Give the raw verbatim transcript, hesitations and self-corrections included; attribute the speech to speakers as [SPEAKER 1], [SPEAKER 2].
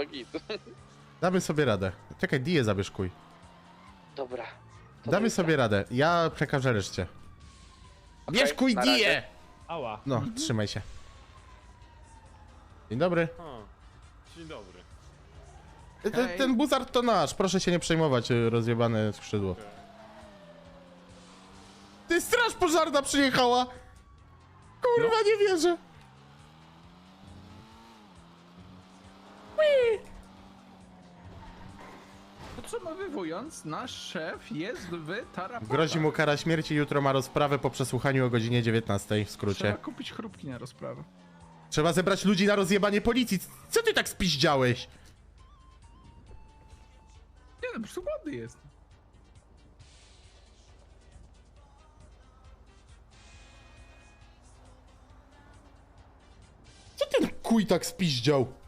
[SPEAKER 1] git.
[SPEAKER 2] Damy sobie radę. Czekaj, Dię zabierz, kuj.
[SPEAKER 1] Dobra. To
[SPEAKER 2] Damy
[SPEAKER 1] do jutra.
[SPEAKER 2] sobie radę. Ja przekażę reszcie.
[SPEAKER 1] Okej,
[SPEAKER 2] Bierz kuj
[SPEAKER 1] na razie.
[SPEAKER 2] Dię!
[SPEAKER 3] Ała.
[SPEAKER 2] No, trzymaj się. Dzień dobry.
[SPEAKER 3] O, dzień dobry.
[SPEAKER 2] Ten, ten buzard to nasz, proszę się nie przejmować, y, rozjebane skrzydło.
[SPEAKER 3] Okej.
[SPEAKER 2] Ty, straż pożarna przyjechała! Kurwa,
[SPEAKER 3] No.
[SPEAKER 2] nie wierzę!
[SPEAKER 4] Podsumowując, nasz szef jest w tarapatach.
[SPEAKER 2] Grozi mu kara śmierci, jutro ma rozprawę po przesłuchaniu o godzinie dziewiętnastej, w skrócie.
[SPEAKER 4] Trzeba kupić chrupki na rozprawę.
[SPEAKER 2] Trzeba zebrać ludzi na rozjebanie policji. Co ty tak spiździałeś?
[SPEAKER 4] Nie no, po prostu głodny jest.
[SPEAKER 2] Co ten kuj tak spiździał?